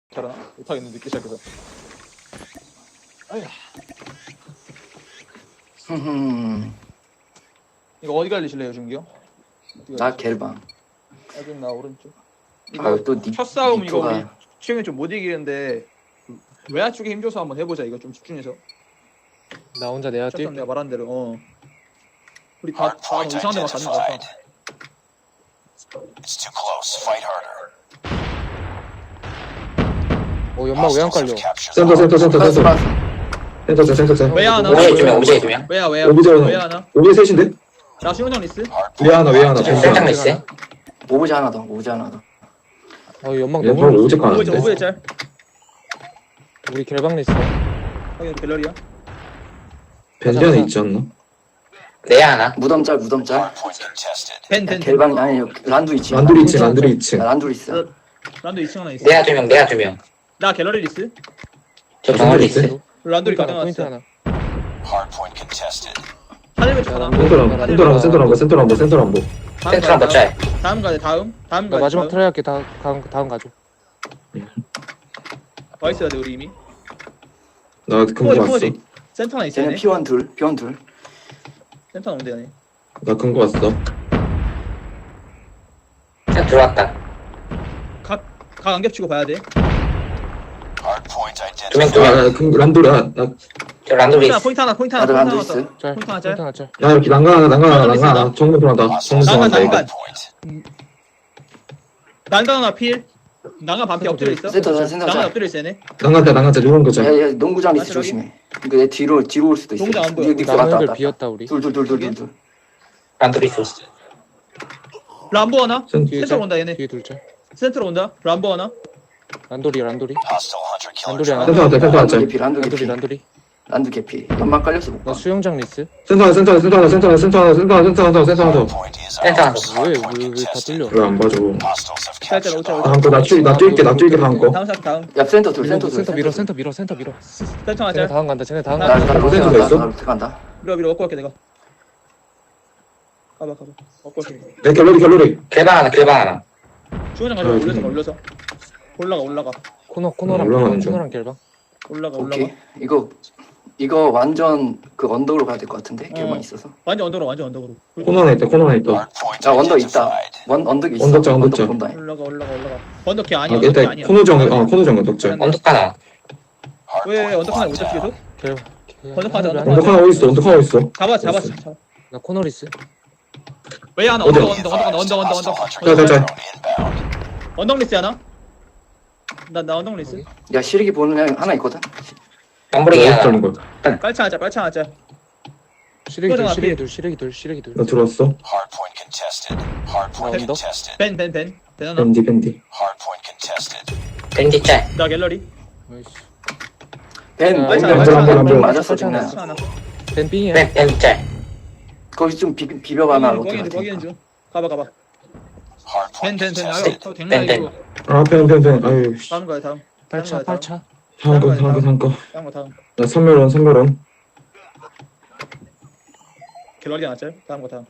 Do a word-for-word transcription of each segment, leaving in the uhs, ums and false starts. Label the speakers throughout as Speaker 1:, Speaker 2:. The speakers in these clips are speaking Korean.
Speaker 1: 잘하나? 못하겠네 늦게 시작해서. 아휴.
Speaker 2: 흠흠.
Speaker 1: 이거 어디 갈리실래요, 준기요?
Speaker 2: 나 겔방.
Speaker 1: 여긴 나 오른쪽.
Speaker 2: 아유 또 니,
Speaker 1: 첫 싸움 이거
Speaker 2: 니토가
Speaker 1: 우리 최근에 좀 못 이기는데 외야 쪽에 힘줘서 한번 해보자. 이거 좀 집중해서.
Speaker 3: 나 혼자 내야
Speaker 1: 첫
Speaker 3: 뛸.
Speaker 1: 싸움 내가 말한 대로. 어. 우리 다, 다 이상한 데만 가는 거 같아.
Speaker 4: It's too close. Fight harder.
Speaker 3: 어 연막 왜 안 깔려?
Speaker 5: 센터 센터 센터
Speaker 2: 플러스
Speaker 5: 센터
Speaker 2: 플러스.
Speaker 5: 센터 센터 센터 센터
Speaker 1: 외야 하나.
Speaker 6: 오브제이 두 명, 오브제이 두 명.
Speaker 1: 외야 외야.
Speaker 5: 오브제
Speaker 1: 외야 하나.
Speaker 5: 오브제 셋인데?
Speaker 1: 나 수영장 리스.
Speaker 5: 외야 하나 외야 하나
Speaker 6: 센장
Speaker 5: 벤장
Speaker 6: 리스.
Speaker 2: 오브제 하나 더. 오브제 하나 더.
Speaker 3: 어 연막
Speaker 5: 얘
Speaker 3: 너무
Speaker 5: 바로
Speaker 3: 멀리
Speaker 5: 오브제
Speaker 3: 있어.
Speaker 5: 가는데?
Speaker 1: 오브제 오브제 짤.
Speaker 3: 우리 결방 리스.
Speaker 1: 확인 갤러리야.
Speaker 5: 벤지 안에 있지 않나?
Speaker 6: 내야 하나.
Speaker 2: 무덤짤 무덤짤.
Speaker 4: Hardpoint contested.
Speaker 1: 벤 벤.
Speaker 2: 겔방 아니 란두 있지.
Speaker 5: 란두리 이 층 란두리 이 층
Speaker 2: 란두 있어.
Speaker 1: 란도 이 층 하나 있어.
Speaker 6: 내야 두 명, 내야 두 명.
Speaker 1: 나 갤러리 리스.
Speaker 6: 저
Speaker 5: 란두리
Speaker 6: 정원
Speaker 5: 있어?
Speaker 6: 리스.
Speaker 1: 란도리
Speaker 3: 포인트 하나, 포인트
Speaker 1: 가져갔어.
Speaker 3: 하나.
Speaker 4: Hardpoint contested.
Speaker 1: 하늘배 쪽 하나.
Speaker 5: 센터 란 센터 란 센터 란 센터 란 센터 란
Speaker 1: 다음
Speaker 6: 센트랑
Speaker 1: 가야
Speaker 6: 버짤.
Speaker 1: 다음 가야 돼. 다음. 다음
Speaker 3: 나
Speaker 1: 가야
Speaker 3: 마지막
Speaker 1: 다음.
Speaker 3: 트라이 할게. 다 다음 다음 가죠.
Speaker 1: 와 있어야 돼 우리 이미.
Speaker 5: 나 금고
Speaker 1: 포워지
Speaker 5: 왔어
Speaker 1: 포워지. 센터 하나 있어야
Speaker 2: 쟤는
Speaker 1: 돼.
Speaker 2: 피원 둘. 피원 둘.
Speaker 1: 센터 나오면 되네.
Speaker 5: 나 금고 왔어
Speaker 6: 자, 들어왔다.
Speaker 1: 각각 겹치고 봐야 돼.
Speaker 4: Hardpoint
Speaker 6: 두 명,
Speaker 4: identified.
Speaker 6: 두 명.
Speaker 5: 아금 란두리 나나
Speaker 6: 저 란도 리스.
Speaker 1: 포인트 하나 포인트 하나
Speaker 2: 나도
Speaker 1: 포인트
Speaker 2: 란두
Speaker 1: 하나
Speaker 2: 있어.
Speaker 1: 왔어.
Speaker 3: 짤.
Speaker 1: 포인트 하나 짤.
Speaker 3: 포인트 하나 짤.
Speaker 5: 야 이렇게 난간 하나 난간 하나 난간 하나 정면 들어간다 정면
Speaker 1: 난간,
Speaker 5: 들어간다
Speaker 1: 난간.
Speaker 5: 이거
Speaker 4: Hardpoint.
Speaker 1: 난간 하나 필. 난간 반피 엎드려 있어.
Speaker 2: 센터 짤 센터
Speaker 1: 난간
Speaker 2: 짤.
Speaker 1: 엎드려 있어 얘네.
Speaker 5: 난간자 난간자 누군 거자
Speaker 2: 야야 농구장 리스
Speaker 1: 맞지,
Speaker 2: 조심해. 이거 내 뒤로 뒤로 올 수도 있어.
Speaker 1: 농구장 안 보여.
Speaker 2: 니- 니 왔다,
Speaker 3: 나무
Speaker 2: 왔다,
Speaker 3: 애들
Speaker 2: 왔다.
Speaker 3: 비었다 우리.
Speaker 2: 둘둘둘둘둘.
Speaker 6: 란도 리스.
Speaker 1: 람보 하나.
Speaker 5: 센
Speaker 3: 뒤에
Speaker 1: 센터로
Speaker 3: 짤.
Speaker 1: 온다 얘네.
Speaker 3: 뒤에 둘 짤.
Speaker 1: 센터로 온다. 람보 하나.
Speaker 3: 란도리 란도리.
Speaker 4: Hostile hunter killer
Speaker 3: 란도리 하나.
Speaker 5: 센터 왔다 센터
Speaker 2: 란두
Speaker 5: 왔다
Speaker 2: 개피 란두
Speaker 3: 란도리
Speaker 2: 개피.
Speaker 3: 란도리.
Speaker 2: 란두 개피. 연막 깔려서 못
Speaker 3: 나
Speaker 2: 봐.
Speaker 3: 수영장 리스.
Speaker 5: 센터 하나 센터 하나 센터 하나 센터 하나 센터 하나 센터 하나 센터 하나 센터 하나
Speaker 4: Hardpoint is
Speaker 6: 센터 하나.
Speaker 4: out.
Speaker 3: 왜왜
Speaker 4: Hardpoint
Speaker 3: 왜 다
Speaker 4: contested.
Speaker 3: 뚫려?
Speaker 5: 왜안 봐줘
Speaker 4: Hostiles have
Speaker 1: 짤짤
Speaker 4: captured
Speaker 1: 오차
Speaker 4: the
Speaker 1: 오차.
Speaker 5: 다음 거나 뛸, 나 뛸게 나 뛸게 다음 거
Speaker 1: 다음 사 다음.
Speaker 2: 야 센터 둘 센터
Speaker 3: 센터
Speaker 2: 둘.
Speaker 3: 밀어 센터 밀어 센터 밀어.
Speaker 1: 센터 하나
Speaker 3: 쟤네
Speaker 1: 짤.
Speaker 3: 다음 간다. 쟤네 다음
Speaker 1: 나-
Speaker 2: 나
Speaker 3: 간다.
Speaker 2: 나 로테
Speaker 5: 센터가
Speaker 2: 간다.
Speaker 5: 있어?
Speaker 2: 나 로테 간다.
Speaker 1: 밀어 밀어 먹고 갈게 내가. 가봐 가봐. 먹고 갈게.
Speaker 5: 내 갤러리 갤러리
Speaker 6: 길방 하나, 길방 하나.
Speaker 1: 중원장 가자.
Speaker 5: 아,
Speaker 1: 올려서
Speaker 5: 좀-
Speaker 1: 가 올려서. 올라가 올라가.
Speaker 3: 코너 코너랑
Speaker 5: 올라가는
Speaker 3: 결방.
Speaker 5: 중.
Speaker 3: 코너랑 결방.
Speaker 1: 올라가 올라가.
Speaker 2: 오케이. 이거 이거 완전 그 언덕으로 가야 될 것 같은데.
Speaker 1: 어.
Speaker 2: 길만 있어서.
Speaker 1: 완전 언더로 완전 언더로.
Speaker 5: 코너 하나 있다 코너 하나 있다
Speaker 4: Hardpoint
Speaker 2: 야 언덕 있다.
Speaker 4: identified.
Speaker 2: 원 언덕 있어.
Speaker 5: 언덕 짤, 언덕 짤.
Speaker 2: 본다.
Speaker 1: 올라가 올라가 올라가. 언더키
Speaker 5: 아
Speaker 1: 아니야. 언더키
Speaker 5: 일단
Speaker 1: 아니야.
Speaker 5: 코너 정어 코너 정어 덕질
Speaker 6: 언덕 하나.
Speaker 1: 왜
Speaker 4: Hardpoint
Speaker 1: 언더키 하나 못
Speaker 4: locked
Speaker 1: 잡지
Speaker 4: down.
Speaker 1: 계속?
Speaker 3: 결방.
Speaker 1: 번역하자,
Speaker 3: 하늘
Speaker 1: 번역하자.
Speaker 5: 언덕 하나 어디 있어 언덕 하나 어디 있어
Speaker 1: 잡아 잡았어. 잡아.
Speaker 3: 나 코너 리스.
Speaker 1: 왜 하나
Speaker 5: 어디?
Speaker 1: 언더 언더 언더 언더 언더 언더 언더.
Speaker 4: Hostile hunter
Speaker 5: 자, 자,
Speaker 4: killer
Speaker 5: 자.
Speaker 4: drone inbound.
Speaker 1: 언덕 리스 하나? 나나 언덕 리스.
Speaker 2: 야 시리기 보는 애 하나 있거든.
Speaker 6: 깜부리기
Speaker 5: 어디
Speaker 6: 하나.
Speaker 5: 자는 거야
Speaker 1: 깔창하자 깔창하자.
Speaker 3: 시래기 둘
Speaker 1: 코너가
Speaker 3: 시래기
Speaker 1: 앞에.
Speaker 3: 둘 시래기 둘 시래기 둘.
Speaker 5: 나 들어왔어
Speaker 4: Hardpoint contested. Hardpoint
Speaker 3: 언덕?
Speaker 4: contested.
Speaker 1: 벤 벤 벤. 벤 하나.
Speaker 5: 밴디 밴디
Speaker 4: Hardpoint contested.
Speaker 6: 밴디 짤.
Speaker 1: 나 갤러리.
Speaker 3: 아이씨.
Speaker 2: 벤
Speaker 3: 야,
Speaker 2: 벤
Speaker 1: 빨리
Speaker 2: 벤
Speaker 1: 차,
Speaker 2: 벤
Speaker 5: 빨리
Speaker 2: 벤
Speaker 5: 차.
Speaker 2: 맞았어
Speaker 3: 빨리
Speaker 2: 지금.
Speaker 3: 차.
Speaker 1: 깔창 하나.
Speaker 3: 뱀빙이야.
Speaker 6: 밴, 밴디 짤.
Speaker 2: 거기 좀 비, 비벼봐나 로테
Speaker 1: 거기는 거기는
Speaker 2: 같은.
Speaker 1: 중. 가봐 가봐. 벤
Speaker 4: Hardpoint
Speaker 1: 벤 벤.
Speaker 4: contested.
Speaker 1: 아유 댕나
Speaker 6: 벤,
Speaker 1: 이거.
Speaker 5: 아펜펜펜 아유 씨.
Speaker 1: 다음 거야 다음.
Speaker 3: 팔차
Speaker 1: 다음
Speaker 3: 팔차.
Speaker 5: 다음 거 다음 거 다음 거나
Speaker 1: 다음 거 다음.
Speaker 5: 선멸원 선멸원
Speaker 1: 갤러리 하나 짤. 다음 거 다음.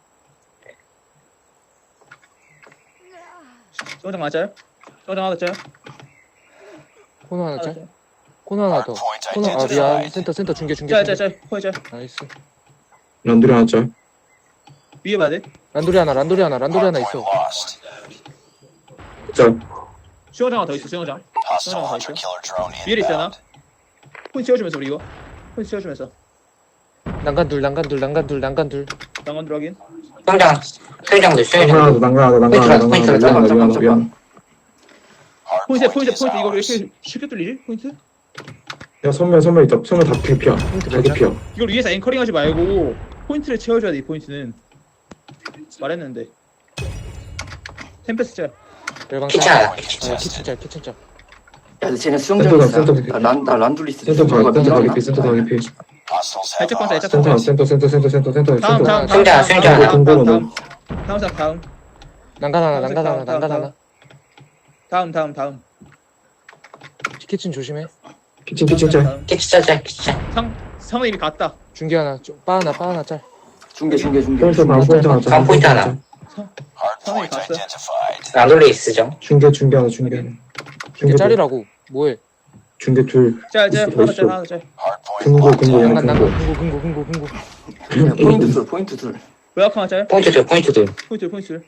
Speaker 1: 소장 하나 짤. 소장 하나 짤.
Speaker 3: 코너 하나
Speaker 1: 하나
Speaker 3: 짤.
Speaker 1: 짤.
Speaker 3: 코너 하나 더.
Speaker 4: Hardpoint
Speaker 3: 코너 아 미안.
Speaker 4: identified.
Speaker 3: 센터 센터 중계 중계.
Speaker 1: 짤
Speaker 3: 중계.
Speaker 1: 짤 짤. 포에 짤.
Speaker 3: 나이스.
Speaker 5: 란두리 하나 짤
Speaker 1: 위에 봐야 돼.
Speaker 3: 란도리 하나 란도리 하나 란도리 하나
Speaker 4: Hardpoint
Speaker 3: 있어.
Speaker 4: lost.
Speaker 5: 짤
Speaker 1: 수영장 하나 더 있어. 수영장.
Speaker 4: Hostile
Speaker 1: 하나 더
Speaker 4: hunter
Speaker 1: 있어.
Speaker 4: killer drone
Speaker 1: 위에 있잖아.
Speaker 4: inbound.
Speaker 1: 포인트 채워주면서 우리 이거. 포인트 채워주면서.
Speaker 3: 난간 둘 난간 둘 난간 둘 난간 둘.
Speaker 1: 난간 들어가긴.
Speaker 6: 수영장, 수영장도
Speaker 5: 난간 하나
Speaker 6: 수영장.
Speaker 5: 더 난간 하나 더 난간 하나 더 난간 하나 더
Speaker 2: 잠깐
Speaker 5: 미안
Speaker 2: 잠깐
Speaker 5: 미안 미안
Speaker 2: 잠깐.
Speaker 1: 포인트
Speaker 4: Hardpoint
Speaker 1: 포인트
Speaker 4: is
Speaker 1: 포인트 이거 왜
Speaker 4: ours.
Speaker 1: 이렇게 쉽게 뚫리지? 포인트?
Speaker 5: 야 선멸 선멸 있다 선멸 다 개피야
Speaker 3: 포인트
Speaker 5: 다
Speaker 3: 보자.
Speaker 5: 개피야
Speaker 1: 이걸 위에서 앵커링 하지 말고 포인트를 채워줘야 돼. 이 포인트는 말했는데. 템페스 짤.
Speaker 3: 결방
Speaker 6: 키친
Speaker 3: 짤.
Speaker 6: 하나.
Speaker 3: 아 키친 짤 키친 짤.
Speaker 2: 야 쟤네
Speaker 5: 센터
Speaker 2: 수영장
Speaker 5: 가,
Speaker 2: 있어.
Speaker 5: 센터 가.
Speaker 2: 나란 란둘리스.
Speaker 5: 센터 가 센터 가 개피 센터 가 개피
Speaker 4: Hostiles have
Speaker 1: 살짝 방사
Speaker 4: ours.
Speaker 1: 살짝
Speaker 5: 센터
Speaker 1: 방사.
Speaker 5: 센터 센터 센터 센터 센터
Speaker 1: 다음
Speaker 5: 센터
Speaker 1: 다음 다음
Speaker 6: 수영장,
Speaker 1: 다음
Speaker 6: 수영장
Speaker 1: 다음
Speaker 5: 하나.
Speaker 1: 다음 다음
Speaker 5: 공부는
Speaker 1: 다음 다음 사 다음
Speaker 3: 난간 하나 난간
Speaker 1: 다음,
Speaker 3: 하나
Speaker 1: 다음,
Speaker 3: 난간
Speaker 1: 다음.
Speaker 3: 하나.
Speaker 1: 다음 다음 다음
Speaker 3: 키친 조심해.
Speaker 5: 키친 키친 짤
Speaker 1: 다음.
Speaker 6: 키치 짤, 짤, 키치 짤.
Speaker 1: 상 상은 이미 갔다.
Speaker 3: 중계 하나 좀- 빠 하나 빠 하나 짤.
Speaker 2: 중계 중계 중계.
Speaker 5: 포인트 다음 포인트 하나 짤
Speaker 6: 다음 포인트 하나.
Speaker 4: Hardpoint
Speaker 1: 갔어.
Speaker 4: identified.
Speaker 6: 란돌리 있으죠.
Speaker 5: 중계 중계 하나 중계 하나
Speaker 3: 이게 짤이라고. 뭐해?
Speaker 5: 중계 둘.
Speaker 1: 짤짤
Speaker 5: 있어,
Speaker 1: 하나 짤
Speaker 5: 있어.
Speaker 1: 하나 짤.
Speaker 4: Hardpoint
Speaker 5: 금고
Speaker 4: locked
Speaker 5: 금고
Speaker 4: down.
Speaker 5: 얘네
Speaker 3: 난간
Speaker 5: 금고.
Speaker 3: 난간 금고 금고 금고 금고.
Speaker 2: 야, 포인트 둘 포인트 둘
Speaker 1: 외곽 하나 짤.
Speaker 6: 포인트 둘, 포인트 둘.
Speaker 1: 포인트 포인트.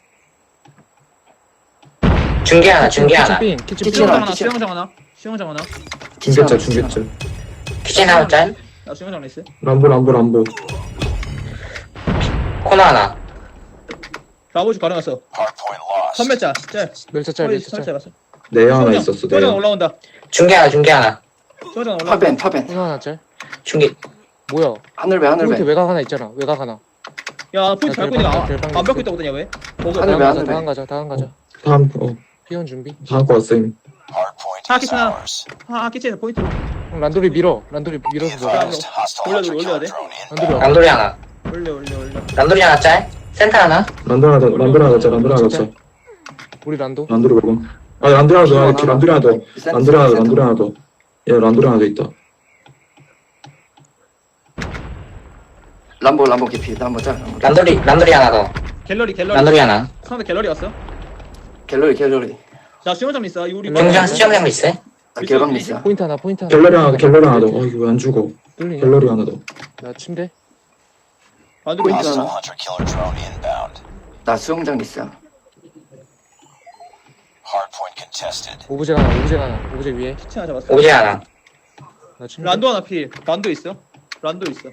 Speaker 6: 중계 하나, 중계 하나.
Speaker 3: 키친 빈 키친 빈.
Speaker 2: 키친
Speaker 1: 수영장
Speaker 2: 하나,
Speaker 1: 하나
Speaker 2: 키친.
Speaker 1: 수영장 하나 수영장 하나.
Speaker 5: 중계자 중계자.
Speaker 6: 키친 하나 짤.
Speaker 1: 나 수영장 레이스.
Speaker 5: 람보 람보 람보.
Speaker 6: 코너 하나.
Speaker 1: 라보즈 가려놨어.
Speaker 4: Hardpoint lost.
Speaker 1: 선멸자 짤.
Speaker 3: 멸차 짤
Speaker 1: 허리
Speaker 3: 멸차 짤.
Speaker 1: 선멸자 봤어.
Speaker 5: 내야 하나
Speaker 1: 수영장,
Speaker 5: 있었어
Speaker 1: 수영장
Speaker 5: 내야.
Speaker 1: 올라온다.
Speaker 6: 중계 하나, 중계 하나.
Speaker 1: 수영장 올라온다.
Speaker 2: 파벤 파벤
Speaker 3: 코너 하나 짤.
Speaker 6: 중계.
Speaker 3: 뭐야?
Speaker 2: 하늘배
Speaker 3: 포인트
Speaker 2: 하늘배
Speaker 3: 외곽 하나 있잖아. 외곽 하나.
Speaker 1: 야 포인트
Speaker 3: 야,
Speaker 1: 밟고 있는
Speaker 3: 결방, 결방
Speaker 1: 거안 밟고
Speaker 3: 있어.
Speaker 1: 있다고 그러냐 왜? 거기
Speaker 2: 하늘
Speaker 3: 다음
Speaker 2: 왜
Speaker 3: 가자.
Speaker 2: 하늘 왜?
Speaker 3: 다음 가자. 다음 가자.
Speaker 5: 다음 어
Speaker 3: 피원 준비.
Speaker 5: 다음 거 왔어 이미.
Speaker 4: Hardpoint
Speaker 1: 아,
Speaker 4: is
Speaker 1: 키친아.
Speaker 4: ours.
Speaker 1: 아 키친에서 포인트.
Speaker 3: 형, 란돌이 밀어. 란돌이
Speaker 4: Be
Speaker 3: 밀어서 먹어.
Speaker 4: advised, hostile
Speaker 1: 올려줘,
Speaker 4: hunter
Speaker 1: 올려야
Speaker 4: killer
Speaker 1: 돼.
Speaker 4: drone
Speaker 3: 란돌이
Speaker 4: inbound.
Speaker 3: 와.
Speaker 6: 란돌이 하나.
Speaker 1: 올려 올려 올려.
Speaker 6: 란돌이 하나 짤. 센터 하나.
Speaker 5: 란도 하나 더 란도 하나 더 란도 하나 더.
Speaker 3: 우리 란도.
Speaker 5: 란도로 먹어. 아 란도 하나 더. 아, 란도 하나 더. 란도 하나 더 란도 하나 더. 야 란도 하나 더 있다.
Speaker 2: 람보 람보 개피 람보 짤 람보 짤.
Speaker 6: 란돌이, 란돌이 하나 더.
Speaker 1: 갤러리 갤러리.
Speaker 6: 란돌이 하나.
Speaker 1: 상대 갤러리 왔어.
Speaker 2: 갤러리 갤러리
Speaker 1: 자 수영장 있어. 우리
Speaker 6: 중장 수영장 있어.
Speaker 2: 아, 개방 미스야
Speaker 3: 포인트 하나. 포인트 하나.
Speaker 5: 갤러리 하나 더 갤러리 하나 더. 어 이거 왜 안 죽어.
Speaker 3: 뚫리냐?
Speaker 5: 갤러리 하나 더.
Speaker 3: 나 침대.
Speaker 1: 안 들고
Speaker 2: 포인트
Speaker 1: 있어.
Speaker 2: 하나.
Speaker 4: Hostile hunter killer drone inbound.
Speaker 2: 나 수영장 미스야
Speaker 4: Hardpoint contested.
Speaker 3: 오브젝 하나. 오브젝 하나. 오브젝 위에.
Speaker 1: 키친 하나 잡았어.
Speaker 6: 오브제 하나.
Speaker 3: 나 침대.
Speaker 1: 란도 하나 필. 란도 있어. 란도 있어.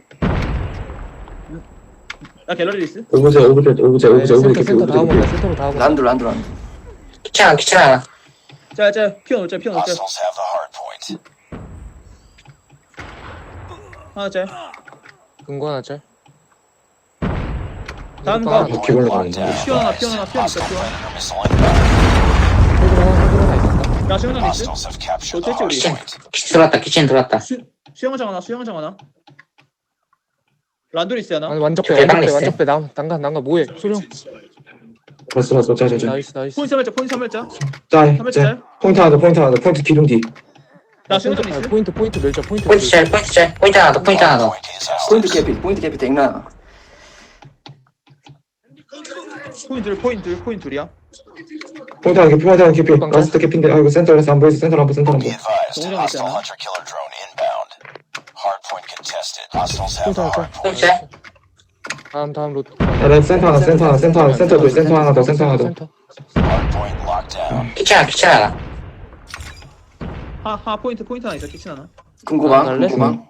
Speaker 1: 나 갤러리 있어.
Speaker 5: 오브제 오브제 오브제
Speaker 3: 아,
Speaker 5: 오브제
Speaker 3: 센터
Speaker 5: 오브제
Speaker 3: 센터
Speaker 5: 오브제
Speaker 3: 다음 온다.
Speaker 5: 오브제.
Speaker 3: 센터로 다음 온다.
Speaker 2: 란두 란두 란두
Speaker 6: 키친 하나, 키친 하나.
Speaker 1: 짤짤 피어 놓자 피어 놓자.
Speaker 4: Hostiles have the hardpoint.
Speaker 1: 하나 짤.
Speaker 3: 금고 하나 짤.
Speaker 1: 다음
Speaker 3: 이것도
Speaker 1: 거.
Speaker 3: 하나 더.
Speaker 5: 바퀴벌레
Speaker 4: Locked
Speaker 5: 나오네.
Speaker 4: down.
Speaker 1: 피어 하나 피어 하나 피어 놓자
Speaker 4: Hostile
Speaker 1: 피어.
Speaker 4: predator missile inbound.
Speaker 3: 홀드 하나. 홀드 하나 있었다.
Speaker 1: 야 수영장 있어.
Speaker 4: Hostiles have captured the
Speaker 1: 어쨌지, 우리?
Speaker 4: hardpoint.
Speaker 6: 키친 들어왔다, 키친 들어왔다.
Speaker 1: 수 수영장 하나 수영장 하나. 란도 있어 하나.
Speaker 3: 아니 완적배
Speaker 6: 대박
Speaker 3: 완적배
Speaker 6: 냈어.
Speaker 3: 완적배 남 난간 난간 뭐해? 소령.
Speaker 5: 봤어 봤어 짜자자.
Speaker 3: 나이스 나이스.
Speaker 1: 포인트 삼멸자 포인트 삼멸자.
Speaker 5: 짤
Speaker 1: 삼멸자
Speaker 5: 짤.
Speaker 1: 짤.
Speaker 5: 포인트 하나 더 포인트 하나 더 포인트 기둥 뒤.
Speaker 1: 나 수영장
Speaker 3: 포인트,
Speaker 1: 있어.
Speaker 3: 아, 포인트 포인트 멸자 포인트.
Speaker 6: 포인트 짤, 포인트 짤. 포인트 하나 더, 포인트 하나 더.
Speaker 4: Hardpoint is ours.
Speaker 2: 포인트 개피 포인트 개피 댕나
Speaker 1: 포인트 포인트 포인트 둘이야.
Speaker 5: 포인트 하나 개피 포인트 하나 개피. 라스트 개피인데 아 이거 센터에서 안 보이서 센터 안 보여 센터 안
Speaker 4: Be
Speaker 5: 보여.
Speaker 4: advised,
Speaker 1: 동작
Speaker 4: hostile
Speaker 1: 있잖아.
Speaker 4: hunter killer drone inbound. Hardpoint contested. Hostiles have
Speaker 3: 포인트
Speaker 4: the
Speaker 3: 하나 짤.
Speaker 4: hardpoint.
Speaker 6: 포인트 짤.
Speaker 3: 다음 다음 로.
Speaker 5: 야, 나 센터 하나 센터 하나 센터 하나 센터 둘 센터 하나 더 센터 하나 더.
Speaker 3: 센터.
Speaker 4: Hardpoint locked down.
Speaker 6: 키친 하나, 키친 하나.
Speaker 1: 하하 포인트 포인트 하나 있어 키친 하나.
Speaker 2: 금고방
Speaker 3: 갈래?
Speaker 2: 금고방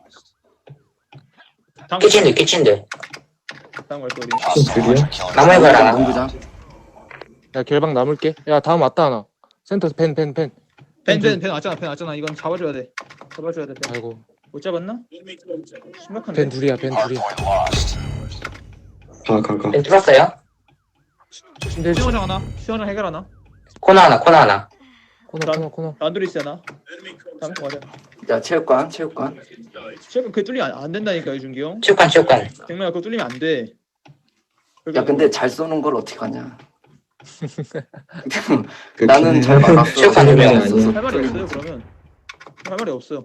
Speaker 1: 다음
Speaker 6: 키친들, 키친들.
Speaker 1: 다음 걸 거리.
Speaker 4: Hostile
Speaker 5: 둘이야?
Speaker 4: hunter killer
Speaker 6: 나무에
Speaker 4: drone
Speaker 6: 봐라.
Speaker 4: inbound.
Speaker 2: 문구장
Speaker 3: 야 결방 남을게. 야 다음 왔다 하나. 센터 펜 펜 펜.
Speaker 1: 벤벤벤 왔잖아 벤 왔잖아. 이건 잡아줘야 돼. 잡아줘야 돼. 벤.
Speaker 3: 아이고
Speaker 1: 못 잡았나? 심각한데.
Speaker 3: 펜 둘이야 펜 둘이야.
Speaker 4: Hardpoint lost.
Speaker 5: 가 가 가.
Speaker 6: 펜 뚫었어요.
Speaker 3: 침대
Speaker 1: 수영장 하나. 수영장 해결 하나.
Speaker 6: 코너 하나, 코너 하나.
Speaker 3: 코너 코너 코너.
Speaker 1: 란도리스 하나. 다음 거 가자.
Speaker 2: 야 체육관 체육관
Speaker 1: 지금 그 뚫리면 안, 안 된다니까 유준기 형.
Speaker 6: 체육관, 체육관.
Speaker 1: 백마야 그거 뚫리면 안 돼.
Speaker 2: 야 근데 잘 쏘는 걸 어떻게 하냐
Speaker 5: 그
Speaker 2: 나는
Speaker 5: 기능-
Speaker 2: 잘 막았어
Speaker 6: 체육관
Speaker 5: 기능이
Speaker 6: 유명해.
Speaker 5: 아니야.
Speaker 1: 할 말이 없어요 그러면. 할 말이 없어.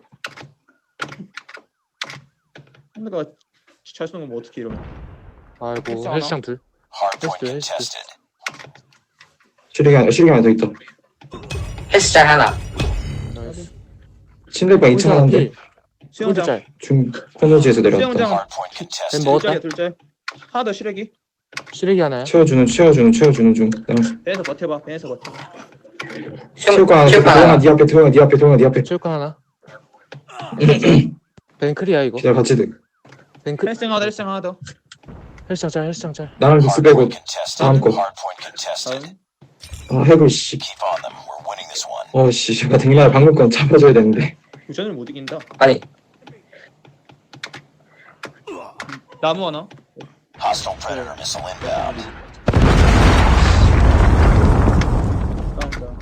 Speaker 1: 상대가 잘 쏘는 거뭐 어떻게 이러면.
Speaker 3: 아이고 헬스장 둘.
Speaker 4: Hardpoint
Speaker 3: Yes, yes, yes.
Speaker 4: contested.
Speaker 5: 실력이 하나 실력이 하나 더 있다.
Speaker 6: 헬스 짤 하나.
Speaker 3: 나이스.
Speaker 5: 침대방 이 층 하나인데
Speaker 3: 포인트
Speaker 1: 수영장.
Speaker 3: 짤.
Speaker 5: 중 코너지에서 내려왔다.
Speaker 1: 수영장.
Speaker 4: Hardpoint
Speaker 3: 펜
Speaker 4: contested.
Speaker 3: 먹었다.
Speaker 1: 둘짜리야 둘짜. 하나 더 시래기.
Speaker 3: 시래기 하나야.
Speaker 5: 채워주는 채워주는 채워주는 중. 그냥
Speaker 1: 배에서 버텨봐. 배에서 버텨.
Speaker 5: 체육관 하나
Speaker 6: 체육관
Speaker 5: 도영아
Speaker 6: 하나.
Speaker 5: 네 앞에 도영아 네 앞에 도영아 네 앞에.
Speaker 3: 체육관 하나. 벤클이야 이거.
Speaker 5: 기다려 같이 들.
Speaker 3: 벤클.
Speaker 1: 헬스장 하나 더 헬스장 하나 더.
Speaker 3: 헬스장 짤 헬스장 짤.
Speaker 5: 나랑 믹스 빼고
Speaker 4: Hardpoint contested.
Speaker 5: 다음 거.
Speaker 4: Hardpoint contested.
Speaker 1: 다음.
Speaker 5: 아 해골 씨.
Speaker 4: Keep on them. We're winning this one.
Speaker 5: 어씨 제가 댕날 방금 건 잡아줘야 되는데.
Speaker 1: 우전을 못 이긴다.
Speaker 6: 아니,
Speaker 1: 나무 하나.
Speaker 4: Hostile predator missile inbound.
Speaker 1: 다음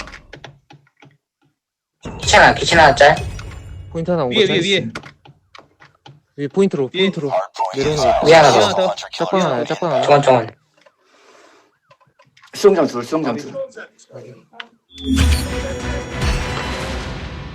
Speaker 1: 거.
Speaker 6: 키친 하나, 키친 하나 짤.
Speaker 3: 포인트 하나 온 거
Speaker 1: 위에
Speaker 3: 짤.
Speaker 1: 위에 위에.
Speaker 3: 위에 포인트로
Speaker 1: 위에.
Speaker 3: 포인트로.
Speaker 4: Hardpoint
Speaker 3: 내려오는
Speaker 4: is
Speaker 3: 거.
Speaker 4: ours.
Speaker 6: 위에 하나 더.
Speaker 4: Hostile hunter killer
Speaker 3: 짝방 하나야
Speaker 4: drone
Speaker 3: 짝방 하나.
Speaker 6: 중원, 중원.
Speaker 2: 수영장 둘 수영장 둘